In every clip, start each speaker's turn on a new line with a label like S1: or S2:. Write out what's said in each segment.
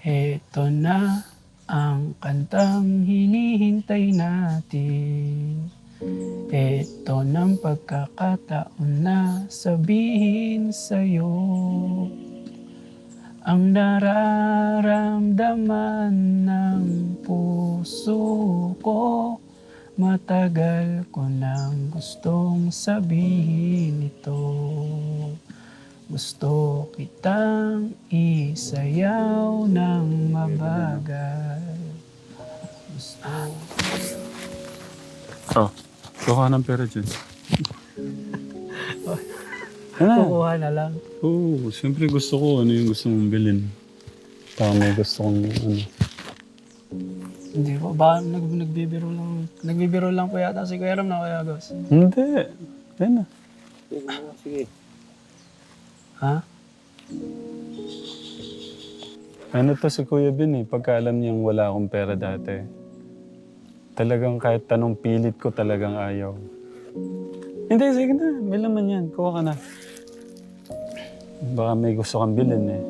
S1: Eto na ang kantang hinihintay natin. Eto ng pagkakataon na sabihin sa'yo ang nararamdaman ng puso ko. Matagal ko nang gustong sabihin ito. Gusto kitang isayaw ng mabagal. Gusto.
S2: Oh, kuha ng pera dyan. Ano?
S1: Kukuha na lang.
S2: Oo, siyempre gusto ko ano yung gusto mong bilhin. Baka may gusto kong ano.
S1: Hindi po, baka nagbibiro lang. Nagbibiro lang po yata si Kuya Ram na Kuya Agos.
S2: Hindi. Yan na.
S3: Sige.
S1: Ha?
S2: Ano to si Kuya Bin eh, pagka alam niyang wala akong pera dati. Talagang kahit tanong pilit ko talagang ayaw. Hindi, sige na. May laman yan. Kuha ka na. Baka may gusto kang bilhin eh.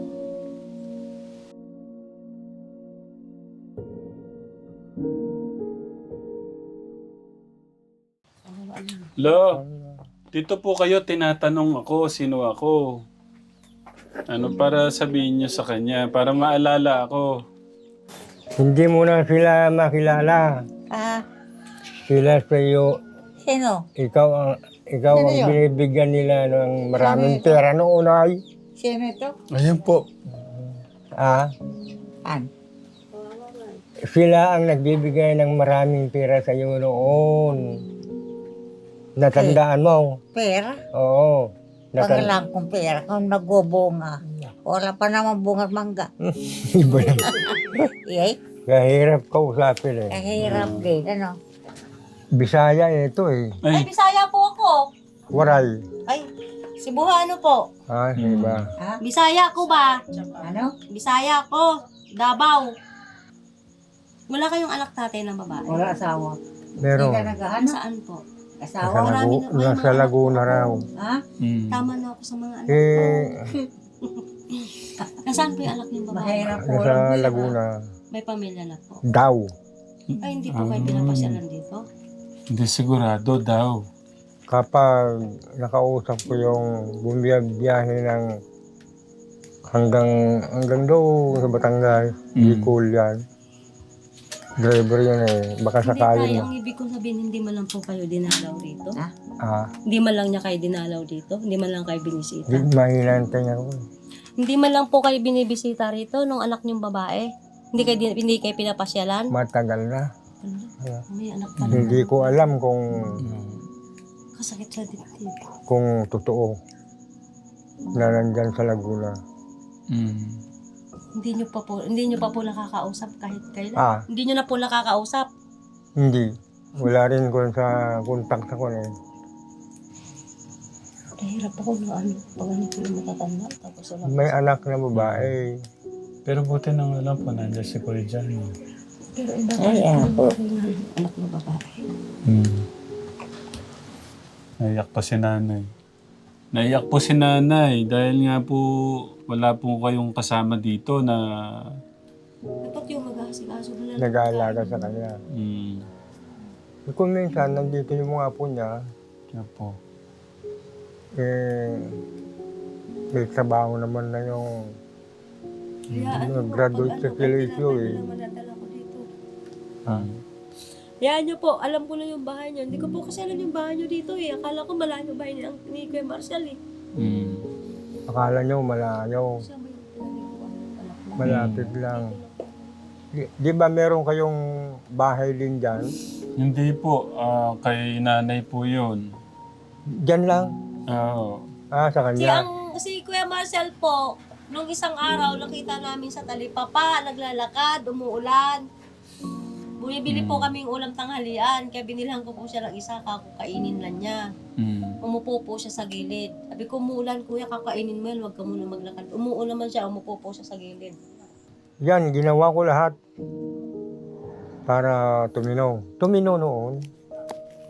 S2: Lo, dito po kayo tinatanong ako, sino ako. Ano para sabihin niyo sa kanya, para maalala ako.
S3: Hindi mo na sila makilala.
S4: Ah,
S3: Sila sa iyo,
S4: sino?
S3: ikaw
S4: Sino
S3: ang
S4: yun?
S3: binibigyan nila ng maraming
S4: Sino ito?
S3: pera noon ay.
S4: Sino ito?
S2: Ayan po.
S3: Ah,
S4: An?
S3: sila ang nagbibigay ng maraming pera sa iyo noon. Natandaan mo?
S4: Pera?
S3: Oo.
S4: Pagalang kong pera kung nagbubunga. Wala pa naman bunga mangga.
S3: Iba na.
S4: Iyay,
S3: Kahirap kausapin eh.
S4: kahirap din. Ano?
S3: Bisaya ito eh.
S4: Ay,
S2: Ay,
S4: Bisaya po ako.
S3: Waray.
S4: Ay, Cebuano po.
S3: Ah, iba.
S4: Ha? Bisaya ko ba? Ano? Bisaya ko. Davao. Wala kayong anak tatay ng babae? Wala asawa.
S3: Meron.
S4: naghahanap? Saan po?
S3: Nasa,
S4: Asawa? Marami na. May
S3: Nasa
S4: mga anak
S3: Laguna
S4: po.
S3: raw.
S4: Ha? Tama na ako sa mga anak.
S3: Eh,
S4: Nasaan po yung anak niyong babae? Mahirap
S3: nasa Laguna.
S4: May pamilya na po.
S3: Daw.
S4: Ay, hindi po kayo pinapasyalan dito?
S2: hindi sigurado daw.
S3: Kapag nakausap ko yung bumiyahe ng hanggang doon sa Batangas, Bicol yan. Driver yun eh. Baka
S5: Hindi
S3: sakali
S5: tayo,
S3: na.
S5: ang ibig kong sabihin, hindi man lang po kayo dinalaw dito.
S3: Ah,
S5: Hindi man lang niya kayo dinalaw dito. Hindi man lang kayo binisita.
S3: di mahinantay niya ako.
S5: Hindi man lang po kayo binibisita rito nung anak niyong babae. Hindi kayo pinapasyalan.
S3: Matagal na.
S5: May anak pa
S3: Hindi ko alam kung
S5: kasakit sa dibdib.
S3: totoo na nandyan sa Laguna.
S5: Hindi niyo pa po nakakausap kahit kailan.
S3: Ah,
S5: Hindi niyo na po nakakausap.
S3: hindi. Wala rin ko sa contact ako eh.
S5: Nahirap ako na pag ano po yung matatanda. Tapos wala.
S3: May anak na babae.
S2: Pero buti nang alam po, nandiyan si Kuya Johnny.
S5: Pero iba
S4: Ay, po.
S5: anak ng babae.
S2: Naiyak pa si nanay. Naiyak po si nanay dahil nga po wala po kayong kasama dito na
S5: Dapat yung mag-aasikaso na lang.
S3: Nag-aalaga sa kanya. Kung minsan, nandito yung mga apo niya,
S2: Kaya po.
S3: eh, may trabaho naman na yung graduate sa Kilisyo eh.
S5: Madadala ko dito.
S2: Ah.
S5: Yan nyo po, alam ko na yung bahay nyo. Hindi ko po kasi alam yung bahay nyo dito eh. Akala ko malayo bahay ni Kuya Marcel eh.
S3: Akala nyo malayo,
S5: Siya ba yung pinaliguan ng anak mo?
S3: malapit lang. Di ba meron kayong bahay din dyan?
S2: Hindi po, kay nanay po yun.
S3: Dyan lang?
S2: Oo.
S3: Ah, sa kanya.
S5: Si Kuya Marcel po, nung isang araw, nakita namin sa talipapa, naglalakad, umuulan. Bumibili po kaming ulam tanghalian, kaya binilhan ko po siya ng isa, kakainin lang niya. Umupo po siya sa gilid. Sabi ko, umuulan kuya, kakainin mo yan, huwag ka muna maglakad. Umuulan naman siya, umupo po siya sa gilid.
S3: Yan, ginawa ko lahat para tumino. Tumino noon.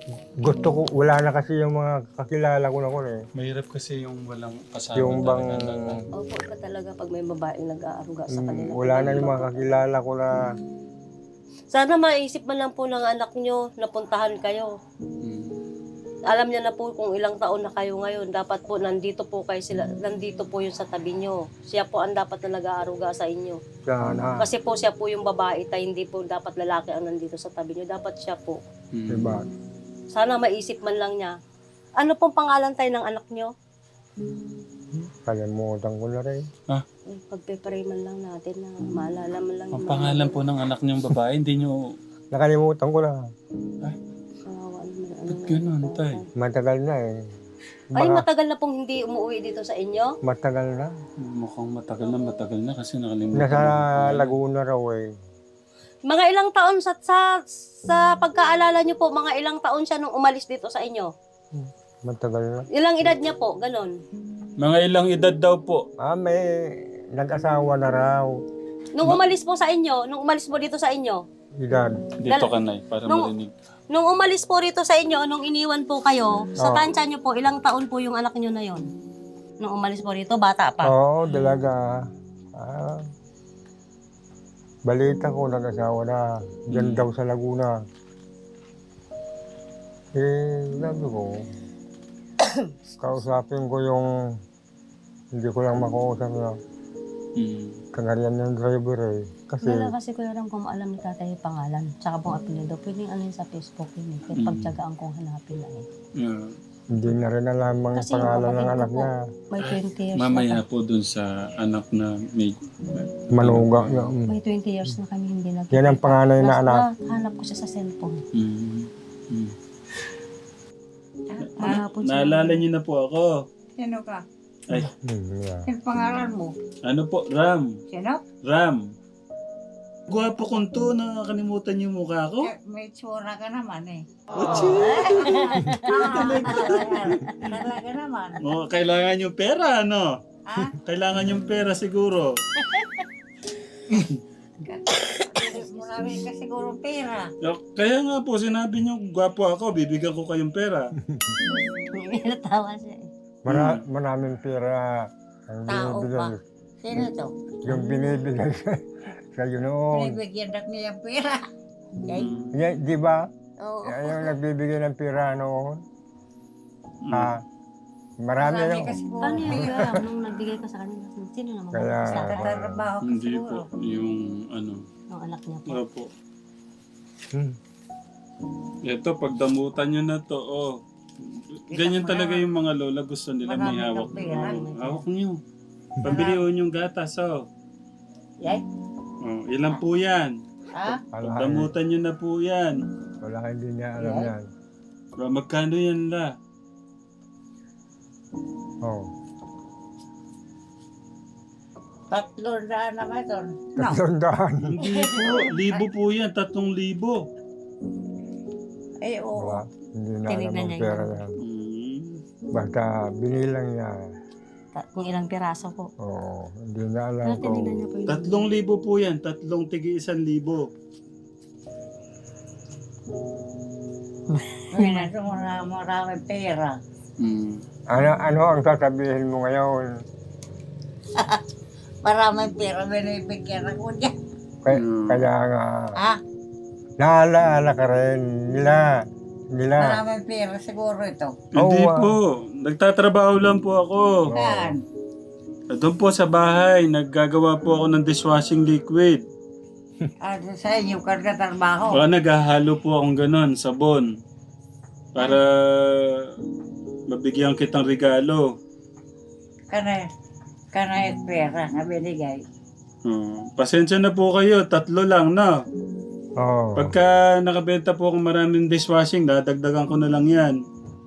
S3: gusto ko, wala na kasi yung mga kakilala ko na ko eh.
S2: Mahirap kasi yung walang kasama
S3: Yung bang,
S4: Opo, iba talaga pag may babaeng nag-aaruga sa kanila.
S3: wala na yung mga kakilala ko na,
S4: Sana maisip man lang po ng anak nyo na puntahan kayo. Alam niya na po kung ilang taon na kayo ngayon. Dapat po nandito po kayo sila, nandito po yung sa tabi nyo. Siya po ang dapat na nag-aaruga sa inyo.
S3: sana,
S4: Kasi po siya po yung babae tayo, hindi po dapat lalaki ang nandito sa tabi nyo. Dapat siya po.
S3: diba?
S4: Sana maisip man lang niya. Ano pong pangalan tayo ng anak nyo?
S3: Kalimutan ko na rin.
S4: Pagpe-pray man lang natin na maalala man lang.
S2: Ang pangalan po ng anak niyong babae, hindi niyo...
S3: Nakalimutan ko na.
S4: Kawawa naman.
S2: Ba't ganun, tay?
S3: Matagal na eh.
S4: Ay,
S3: Baka
S4: matagal na pong hindi umuwi dito sa inyo?
S3: matagal na.
S2: Mukhang matagal na kasi nakalimutan.
S3: Nasa Laguna raw eh.
S4: Mga ilang taon sa pagkaalala niyo po, mga ilang taon siya nung umalis dito sa inyo?
S3: Matagal na.
S4: Ilang edad niya po? Ganon.
S2: Mga ilang edad daw po.
S3: May nag-asawa na raw.
S4: Nung umalis po sa inyo, nung umalis po dito sa inyo,
S3: Edad.
S2: Dito ka, Nay, para
S4: Nung-
S2: marinig.
S4: nung umalis po rito sa inyo, nung iniwan po kayo, sa
S3: Oo.
S4: tansya niyo po, ilang taon po yung anak niyo na yon? Nung umalis po rito, bata pa.
S3: Oo, dalaga. Balita ko, nag-asawa na. Diyan daw sa Laguna. Sabi ko, kausapin ko yung, hindi ko lang makausap na kagarian ng driver eh. Kasi,
S4: Wala kasi ko alam kung alam ni tatay yung pangalan, tsaka pong apelido. Pwedeng ano yun sa Facebook yun eh. Kaya pagtyagaan kong hanapin na eh.
S2: Yeah.
S3: hindi na rin alam ang
S4: Kasi yung
S3: pangalan ng
S4: kapatid ko
S3: anak
S4: po,
S3: niya.
S4: may 20 years
S2: Mamaya
S4: na
S2: po dun sa anak na may...
S3: Manuga niya.
S4: May 20 years na kami hindi nagkikita.
S3: Yan ang panganay na anak.
S4: Hanap ko siya sa cellphone.
S2: Mm.
S4: Hanapon siya.
S2: Naalala niyo na po ako.
S6: Sino ka?
S2: Ay,
S3: Yeah.
S6: Yung pangalan mo?
S2: ano po? Ram.
S6: Sino?
S2: Ram. Gwapo kong to, nakakalimutan yung mukha ko.
S6: May tsura ka naman eh. Talaga naman.
S2: Oh, kailangan yung pera, ano?
S6: Ha?
S2: Kailangan yung pera siguro.
S6: Marami ka siguro pera.
S2: Kaya nga po, sinabi niyo, gwapo ako, bibigyan ko kayong pera.
S4: Natawa siya eh.
S3: Maraming pera ang
S6: Tao
S3: binibigay.
S6: pa. Sino to?
S3: Yung binibigay sa'yo noon.
S6: Binibigyan na niya yung pera. Yay.
S3: Di ba?
S6: Oo.
S3: Yung nagbibigay ng pera noon. Marami
S6: Marami
S3: yung...
S6: ka siguro.
S4: Paano yung pera nung nagbigay ka sa kanila? Sino naman?
S3: Kaya...
S6: Tatrabaho ka
S2: Hindi
S6: siguro.
S2: po, yung ano.
S4: Yung anak niya po.
S2: Opo.
S3: Hmm.
S2: Ito, pagdamutan nyo na to, oh. Ganyan talaga yung mga lola, gusto nila may
S6: Marami
S2: hawak.
S6: kang pera.
S2: Oh, hawak nyo. Pabilion yung gatas, oh.
S6: Yay.
S2: Oh, ilan po yan?
S6: Ha?
S2: Pagdamutan nyo na po yan.
S3: Wala, hindi niya alam yan.
S2: Bro, magkano yan la?
S3: Oh.
S6: 300 naman ito. No.
S3: 300.
S2: Hindi po, libo po yan, 3,000.
S6: Eh, oo.
S3: Wala. Hindi na alam
S4: Tinignan
S3: ang
S4: niya
S3: pera
S4: yun.
S3: yan.
S2: Mm.
S3: Basta binilang niya.
S4: Kung ilang piraso po.
S3: Oo. Hindi na alam
S4: Pero
S3: ko.
S4: tinignan niya po yung...
S2: 3,000 po yan, 3 tigi 1,000.
S6: Marami pera.
S2: Mm.
S3: Ano ang sasabihin mo ngayon?
S6: Maraming pera binibigyan ako dyan.
S3: Kaya nga,
S6: Ha?
S3: naalaala ka rin nila.
S6: Maraming pera siguro ito.
S2: Hindi
S3: Oo,
S2: po, nagtatrabaho lang po ako.
S6: Yan.
S2: Doon po sa bahay, naggagawa po ako ng dishwashing liquid.
S6: Ano sa inyo kargatrabaho?
S2: Baka naghahalo po akong ganon, sabon. Para mabigyan kitang regalo.
S6: Kanay pera na binigay.
S2: Pasensya na po kayo, 3 lang na.
S3: Oo.
S2: Pagka nakabenta po akong maraming dishwashing, dadagdagan ko na lang yan.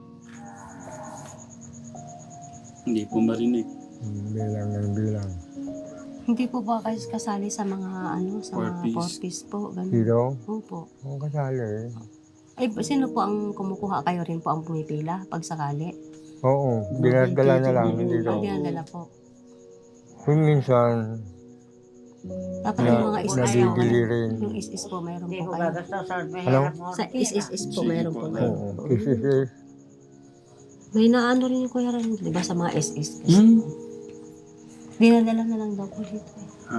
S2: Hindi po marinig.
S3: Bilang ng bilang.
S4: Hindi po ba kayo kasali sa mga ano, sa
S2: Four
S4: mga
S2: piece.
S4: 4-piece po? Ganun.
S3: Dito,
S4: Opo.
S3: ang kasali.
S4: Eh, sino po ang kumukuha? Kayo rin po ang pumipila pag sakali?
S3: Oo, dinadala na lang dito.
S4: Ang dinadala po.
S3: Kung minsan,
S4: Dapat yung mga is-is po.
S3: nabibili rin.
S4: Yung is-is po, mayroon
S6: Hindi
S4: po
S6: ko
S4: kayo.
S6: gagastosan. Mahirap mo.
S4: Sa is-is po, mayroon po kayo.
S3: Oo, isis.
S4: May naano rin yung Kuya Ren, di ba, sa mga is-is. Dinadala na lang daw po dito.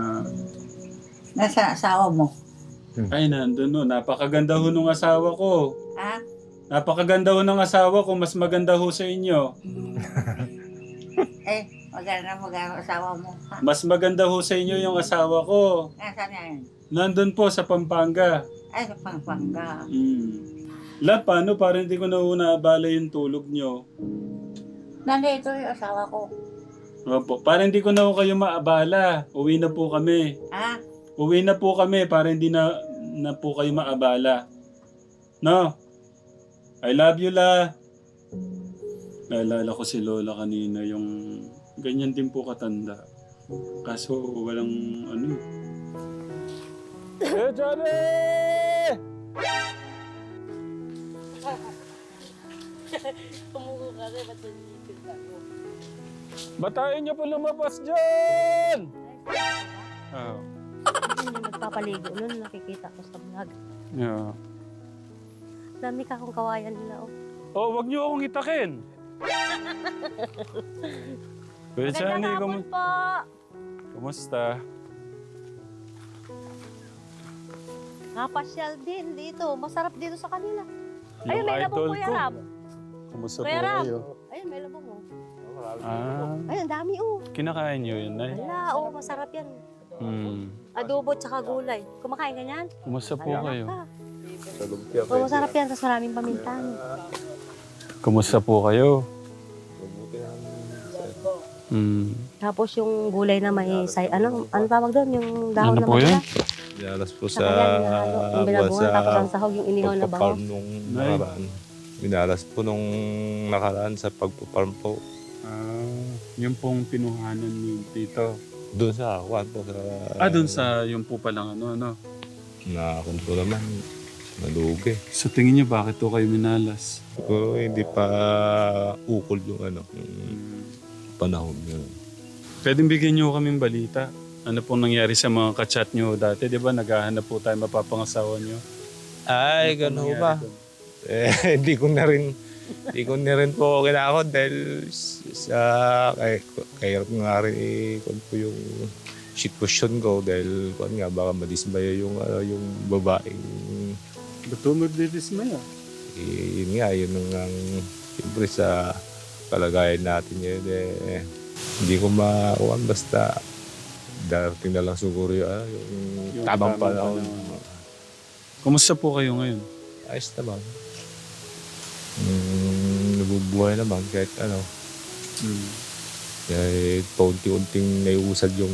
S6: Nasa asawa mo.
S2: Ay, nandun no. Napakaganda ho nung asawa ko.
S6: Ha?
S2: Napakaganda ho ng asawa ko. Mas maganda ho sa inyo.
S6: Maganda asawa mo. Ha?
S2: Mas maganda ho sa inyo yung asawa ko.
S6: Nasaan yan?
S2: Nandun po sa Pampanga.
S6: Ay, sa Pampanga.
S2: La, paano? Para hindi ko na ho naabala yung tulog nyo.
S6: Nandito yung asawa ko.
S2: Opo. Para hindi ko na ho kayo maabala. Uwi na po kami.
S6: Ha?
S2: Uwi na po kami para hindi na po kayo maabala. No? I love you, La. Naalala ko si Lola kanina, yung ganyan din po katanda. Kaso walang ano. Eh, Johnny! Batayin niyo po lumabas dyan! Oh.
S4: Hindi nagpapaligo nun, nakikita ko sa vlog.
S2: Yeah.
S4: Dami ka kung kawayan nila, oh.
S2: Oh, wag niyo akong itakin. Kuya Johnny,
S4: Magandang hapon po!
S2: kumusta?
S4: Kapasyal din dito. Masarap dito sa kanila.
S2: Yung
S4: Ayun, may
S2: idol
S4: labong Kuya
S2: ko.
S4: Rab.
S2: Kumusta po
S4: Kuya Rab.
S2: kayo?
S4: Ayun, may labong, oh.
S2: Ah,
S4: Ayun, dami, oh.
S2: kinakain niyo yun, Nay?
S4: Wala, oh, masarap yan. Adobo tsaka gulay. Kumakain ka niyan?
S2: Kumusta po kayo?
S4: Oh, masarap yan, tapos maraming pamintan.
S2: Kumusta po kayo?
S4: Tapos yung gulay na may ano tawag doon? Yung dahon
S2: Ano
S4: na
S2: po yun?
S4: matira.
S7: Dinalas po
S4: Saka
S7: sa
S4: yan, yung binabungan, tapos ang sahog, yung inihaw na
S7: pagpaparm
S4: baho.
S7: nung nakaraan. Binalas po nung nakaraan sa pagpaparm po.
S2: Yung pong pinuhanan ni Tito.
S7: Doon sa kwan po sa...
S2: Doon sa yung po palang ano.
S7: Nakakunto naman. Nalugi.
S2: Sa tingin niyo, bakit to kayo minalas?
S7: Siguro hindi pa ukol yung ano, yung panahon yun.
S2: Pwedeng bigyan niyo kaming balita. Ano pong nangyari sa mga kachat niyo dati? Di ba naghahanap po tayo mapapangasawa niyo?
S7: Ay,
S2: Ano pong
S7: gano'n
S2: nangyari
S7: ba?
S2: doon?
S7: Hindi ko na rin po kinakot dahil sa kaya nga rin kung po yung sitwasyon ko dahil kung nga baka madismaya yung babaeng
S2: Ba't po magdidismaya?
S7: yun nga yun ang siyempre sa kalagayan natin yun hindi ko makuhan basta darating na lang siguro yung tamang panahon.
S2: Kumusta po kayo ngayon?
S7: Ayos naman. Nabubuhay naman kahit ano. Kahit paunti-unting naiusad yung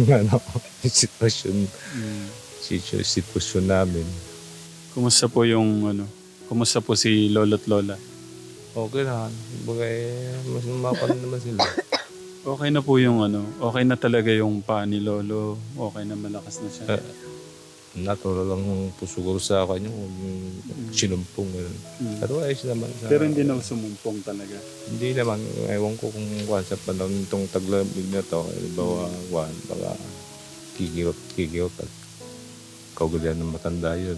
S7: sitwasyon namin.
S2: Kumusta po yung Kumusta po si Lolo't Lola?
S7: Okay na. Bagay, mas mapan naman sila.
S2: Okay na po yung okay na talaga yung paa ni Lolo. Okay na, malakas na siya.
S7: Natural lang po siguro sa kanya kung sinumpong. Pero ayos naman.
S2: Pero hindi na sumumpong talaga.
S7: Hindi naman. Ewan ko kung sa panahon itong taglamig na to. Bawa, baka kikirot at kaugalian ng matanda yun.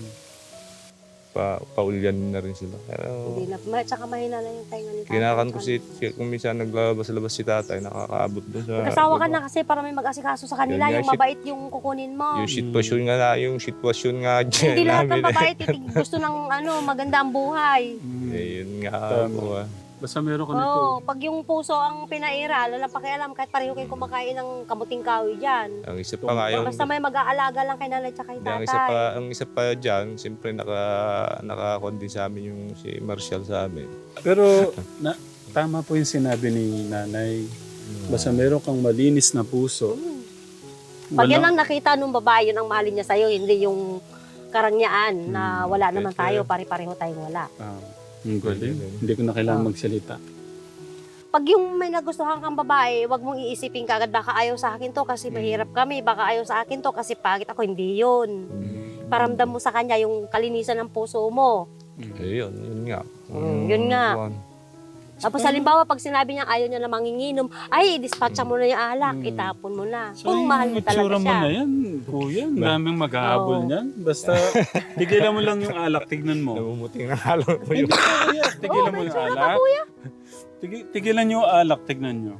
S7: Paulian na rin sila. Pero,
S4: Hindi na, tsaka mahina na yung tainga ni tatay.
S7: kinakan ko kung minsan naglalabas-labas si tatay, nakakaabot doon sa...
S4: Kasawa ka na kasi para may mag-asikaso sa kanila,
S7: Yun nga,
S4: yung mabait yung kukunin mo.
S7: Yung sitwasyon nga dyan
S4: Hindi lahat ng
S7: namin.
S4: babae gusto ng maganda ang buhay.
S7: Yun nga po.
S2: Basta meron ka nito.
S4: Oo, pag yung puso ang pinaira, wala pakialam kahit pareho kayo kumakain ng kamuting kahoy dyan.
S7: Ang isa pa nga yung...
S4: Basta may mag-aalaga lang kay nanay tsaka kay
S7: Ang
S4: tatay.
S7: isa pa dyan, siyempre naka-con din sa amin yung si Marshall sa amin.
S2: Pero tama po yung sinabi ni nanay. Basta meron kang malinis na puso.
S4: Pag yan ang nakita nung babae, yun ang mahalin niya sa'yo, hindi yung karangyaan na wala naman tayo, pare-pareho tayong wala.
S2: Ang galing. Hindi ko na kailangan magsalita.
S4: Pag yung may nagustuhan kang babae, wag mong iisipin kagad baka ayaw sa akin to kasi mahirap kami, baka ayaw sa akin to kasi pangit ako. Hindi yun. Paramdam mo sa kanya yung kalinisan ng puso mo.
S7: Yun nga.
S4: Yun nga. Tapos halimbawa, pag sinabi niya ayaw niya na manginginom, ay, dispatcha mo na yung alak, itapon mo na. Kung mahal mo talaga
S2: itsura mo
S4: siya.
S2: na yan, kuya. Ang daming maghahabol
S4: Oo.
S2: niyan. Basta, tigilan mo lang yung alak, tignan mo.
S7: Namumuting na halo mo
S2: Hindi
S7: yung...
S2: kuya, tigilan mo yung alak. Tigilan niyo yung alak, tignan niyo.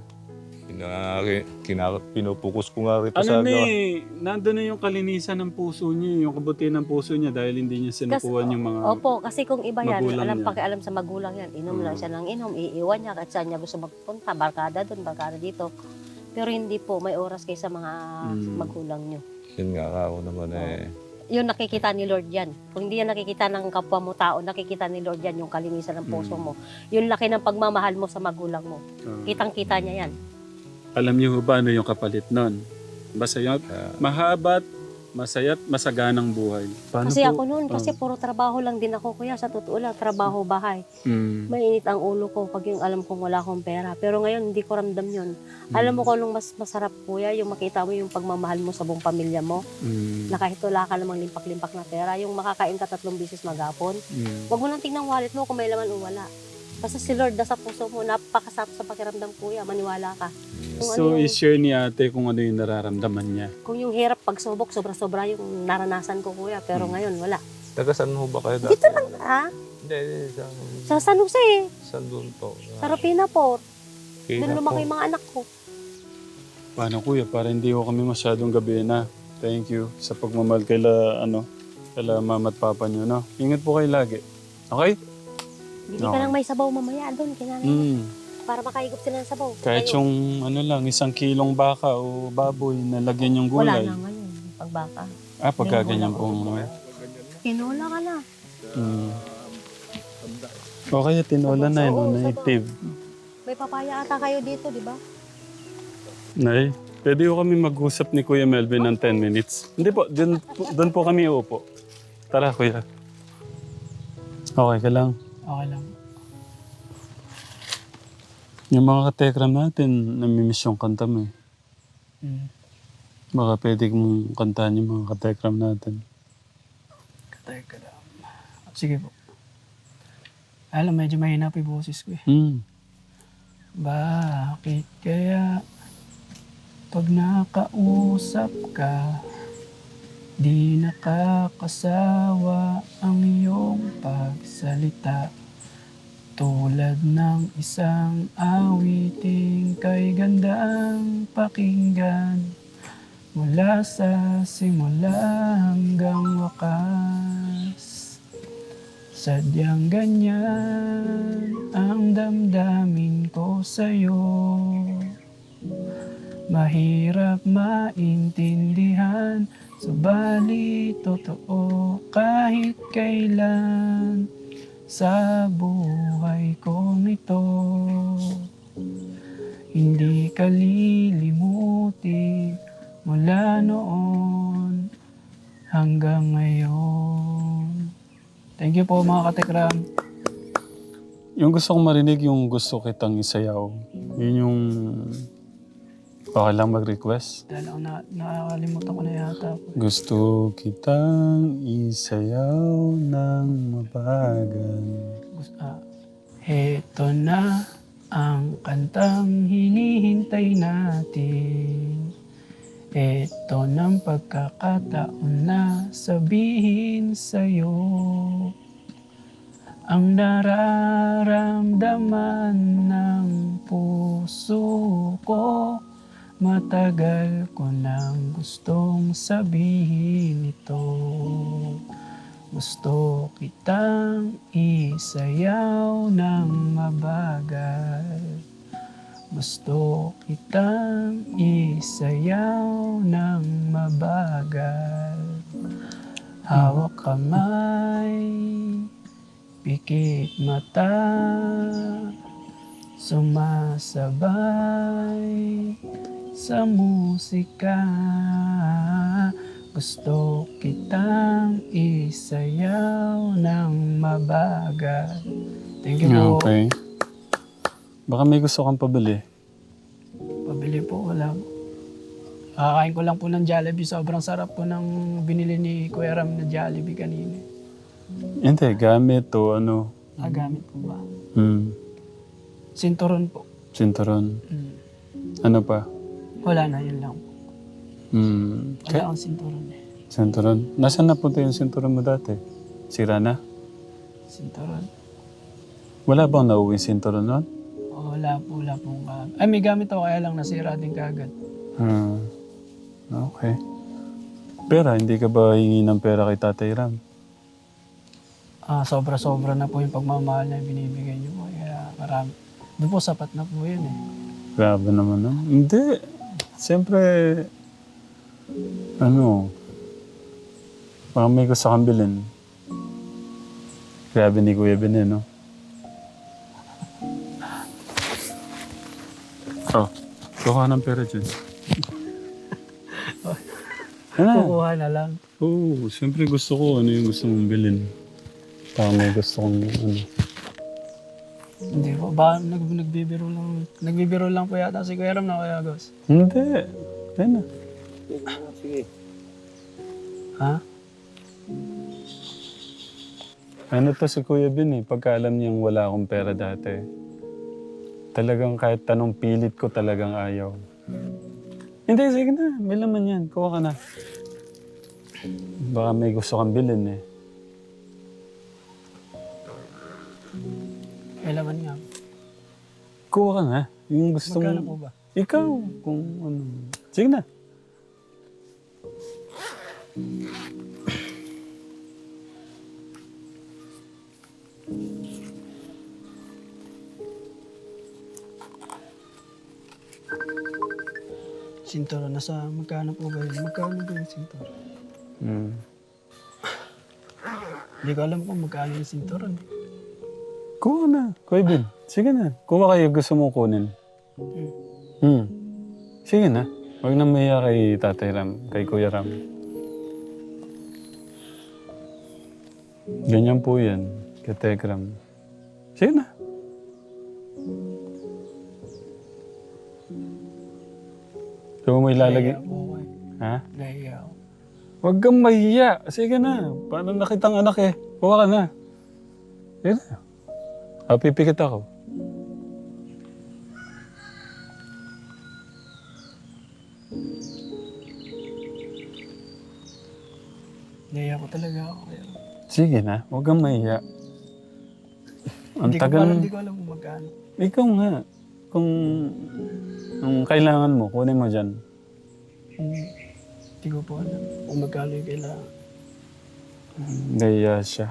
S7: Pinupukus ko nga rito sa...
S2: Ano ni, nandun na yung kalinisan ng puso niya, yung kabutihan ng puso niya dahil hindi niya sinukuhan yung mga...
S4: Opo, kasi kung iba yan,
S2: magulang
S4: alam
S2: niya.
S4: pakialam sa magulang yan. Inom lang siya ng inom, iiwan niya kahit saan niya gusto magpunta, barkada doon, barkada dito. Pero hindi po, may oras kayo sa mga magulang niyo.
S7: Yun nga ako naman eh.
S4: Yun nakikita ni Lord yan. Kung hindi yan nakikita ng kapwa mo tao, nakikita ni Lord yan yung kalinisan ng puso mo. Yung laki ng pagmamahal mo sa magulang mo. Kitang-kita niya yan.
S2: Alam niyo ba ano yung kapalit nun? Masaya, mahabat, masaya't masaganang buhay. Paano
S4: Kasi
S2: po?
S4: ako noon, kasi puro trabaho lang din ako kuya. Sa totoo lang, trabaho, bahay. Mainit ang ulo ko pag yung alam kong wala akong pera. Pero ngayon, hindi ko ramdam yun. Alam mo kung anong mas masarap kuya, yung makita mo yung pagmamahal mo sa buong pamilya mo. Na kahit wala ka namang limpak-limpak na pera, yung makakain ka 3 beses maghapon. Huwag mo lang tingnan wallet mo kung may laman o wala. Basta si Lord nasa puso mo, napakasarap sa pakiramdam kuya, maniwala ka. Kung
S2: So,
S4: ano yung,
S2: i-share ni ate kung ano yung nararamdaman niya.
S4: kung yung hirap pagsubok, sobra-sobra yung naranasan ko kuya, pero ngayon wala.
S7: Taga saan ho ba kayo dati?
S4: Dito lang,
S7: Hindi,
S4: sa San Jose,
S7: saan doon po?
S4: sa Rapina po.
S7: Kaya
S4: Doon lumaki
S7: po.
S4: yung mga anak ko.
S2: Paano kuya? Para hindi ko kami masyadong gabi na. Thank you sa pagmamahal kaila mama at papa niyo, no? Ingat po kayo lagi. Okay?
S4: Hindi ka lang may sabaw mamaya doon, kinanay. Para makaigop sila ng sabaw.
S2: Kahit
S4: Ngayon,
S2: yung 1 kilong baka o baboy na lagyan yung
S4: wala
S2: gulay.
S4: na ngayon, pagbaka.
S2: Pagka ganyan pong...
S4: Tinola ka na.
S2: O kaya tinola na yun,
S4: Oo,
S2: native.
S4: May papaya ata kayo dito, di ba?
S2: Nay, pwede ko kami mag-usap ni Kuya Melvin ng 10 minutes. Hindi po, doon po kami uupo. Tara, Kuya. Okay ka lang.
S1: Okay lang.
S2: Yung mga katekram natin, namimiss yung kanta mo eh. Baka pwede mong kantahan yung mga katekram natin.
S1: Katay ka lang. Sige po. Alam, medyo mahina po yung boses ko eh. Bakit kaya pag nakausap ka, di nakakasawa ang iyong pagsalita? Tulad ng isang awiting kay gandang pakinggan, mula sa simula hanggang wakas. Sadyang ganyan ang damdamin ko sa'yo. Mahirap maintindihan, subalit totoo kahit kailan sa buhay kong ito. Hindi ka lilimutin mula noon hanggang ngayon. Thank you po mga katekram.
S2: Yung gusto kong marinig, yung gusto kitang isayaw. Yun yung... Okay lang mag-request.
S1: Dahil ako nakakalimutan ko na yata.
S2: Gusto kitang isayaw ng mabagal.
S1: Heto na ang kantang hinihintay natin. Eto ng pagkakataon na sabihin sa'yo ang nararamdaman ng puso ko. Matagal ko nang gustong sabihin ito. Gusto kitang isayaw ng mabagal. Gusto kitang isayaw ng mabagal. Hawak kamay, pikit mata, sumasabay sa musika. Gusto kitang isayaw ng mabagal. Thank you po.
S2: Okay. Baka may gusto kang pabili.
S1: Pabili po, wala po. Kakain ko lang po ng Jollibee. Sobrang sarap po ng binili ni Kuya Ram na Jollibee kanina.
S2: Hindi, gamit o ano.
S1: Gamit po ba? Sinturon po.
S2: Sinturon.
S1: Mm.
S2: Ano pa?
S1: Wala na, yun lang po. Wala akong sinturon eh.
S2: Sinturon. Nasaan napunta yung sinturon mo dati? Sira na?
S1: Sinturon.
S2: Wala bang nauwi sinturon nun?
S1: Wala pong ay, may gamit ako kaya lang nasira din kagad.
S2: Okay. Pera, hindi ka ba hingi ng pera kay Tatay Ram?
S1: Sobra-sobra na po yung pagmamahal na binibigay niyo po. Kaya marami. Doon po sapat na po yun eh.
S2: Grabe naman, no? Hindi. Siyempre, baka may gusto kang bilhin. Grabe ni Kuya Ben, no? Oh, kuha ng pera dyan. Ano?
S1: Kukuha na lang.
S2: Oo, siyempre gusto ko ano yung gusto mong bilhin. Baka may gusto kong
S1: Hindi po. Baka nagbibiro lang po yata si Kuya Ram na Kuya Agos.
S2: Hindi. Ayun na.
S1: Ha?
S2: Ano to si Kuya Ben pagka alam niyang wala akong pera dati. Talagang kahit tanong pilit ko talagang ayaw. Hindi, sige na. May laman yan. Kuha ka na. Baka may gusto kang bilhin eh.
S1: May laman nga.
S2: Kuha ka na. Yung gusto
S1: Magkano
S2: mo.
S1: po ba?
S2: Ikaw, kung ano. Sige na.
S1: Sinturon. Magkano po ba yun? Magkano ba yung sinturon? Hindi ko alam kung magkano yung sinturon.
S2: Kuha na. Kuya Ben. Sige na. Kuha kayo gusto mong kunin. Sige na. Huwag na maya kay Tatay Ram, kay Kuya Ram. Ganyan po yan, kay Tekram. Sige na. Kung may ilalagay...
S1: Nahiya po ako eh.
S2: Ha?
S1: Nahiya ako.
S2: Huwag kang mahiya. Sige na. Paano nakitang anak eh? Kuha ka na. Sige na. Pipikit ako.
S1: Nahiya ko talaga ako. Kaya.
S2: Sige na. Huwag kang mahiya. Ang
S1: Hindi ko
S2: tagal...
S1: alam kung magkano.
S2: Ikaw nga. Kung kailangan mo, kunin mo dyan.
S1: Hindi ko po alam kung magkano yung kailangan.
S2: Nahiya siya.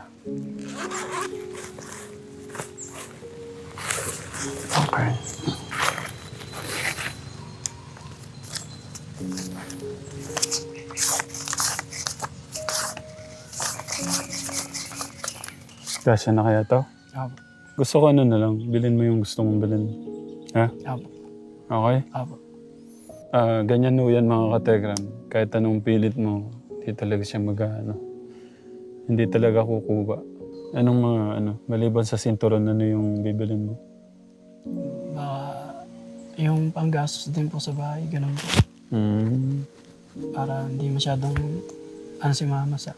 S2: Okay. Kasya na kaya to?
S1: Apo.
S2: Gusto ko ano na lang, bilhin mo yung gusto mong bilhin. Ha?
S1: Apo.
S2: Okay?
S1: Apo.
S2: Ganyan ho yan mga kategram. Kahit anong pilit mo, hindi talaga siya hindi talaga kukuha. Anong mga maliban sa sinturon, ano yung bibilin mo?
S1: Baka yung panggastos din po sa bahay, ganun po. Para hindi masyadong si mama sa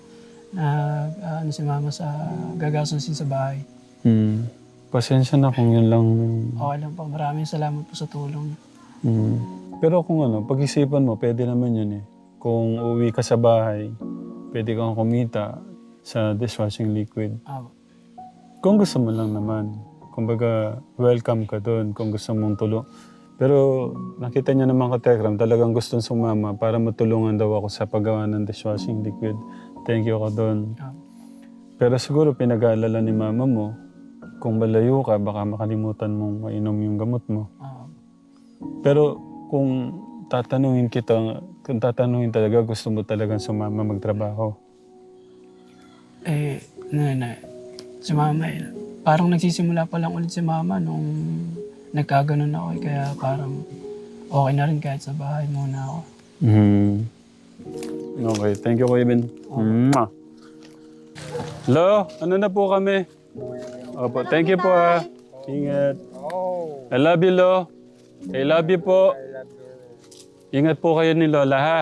S1: gagastusin sa bahay.
S2: Pasensya na kung yun lang.
S1: Okay lang po. Maraming salamat po sa tulong.
S2: Pero kung pag-isipan mo, pwede naman yun eh. Kung uwi ka sa bahay, pwede kang kumita sa dishwashing liquid.
S1: Apo.
S2: Kung gusto mo lang naman. Kumbaga, welcome ka doon kung gusto mong tulong. Pero nakita niya naman ka, Tekram, talagang gustong sumama para matulungan daw ako sa paggawa ng dishwashing liquid. Thank you ka doon.
S1: Apo.
S2: Pero siguro pinag-aalala ni mama mo, kung malayo ka, baka makalimutan mong mainom yung gamot mo.
S1: Apo.
S2: Pero kung tatanungin talaga, gusto mo talagang sumama magtrabaho.
S1: Si mama parang nagsisimula pa lang ulit si mama nung nagkaganon ako kaya parang okay na rin kahit sa bahay muna ako.
S2: Okay, thank you Kuya Ben. Hello, ano na po kami? Opo, thank you po ha. Ingat. I love you, Lo. I love you po. Ingat po kayo ni Lola ha.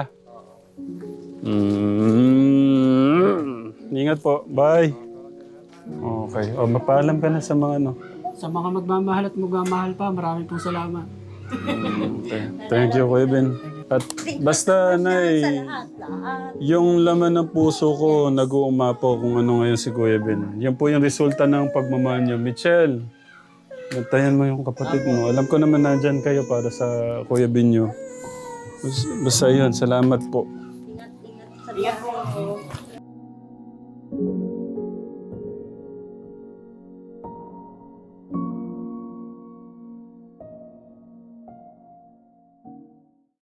S2: Ingat po. Bye. Okay. O, mapaalam ka na sa mga
S1: Sa mga magmamahal at magmamahal pa, maraming pong salamat.
S2: Okay. Thank you, Kuya Ben. At basta, Nay, yung laman ng puso ko, nag-uumapo kung ano ngayon si Kuya Ben. Yan po yung resulta ng pagmamahal niyo. Michelle, bantayan mo yung kapatid mo. Alam ko naman nandyan kayo para sa Kuya Ben niyo. Basta yun, salamat po.
S4: Ingat sa buhay mo.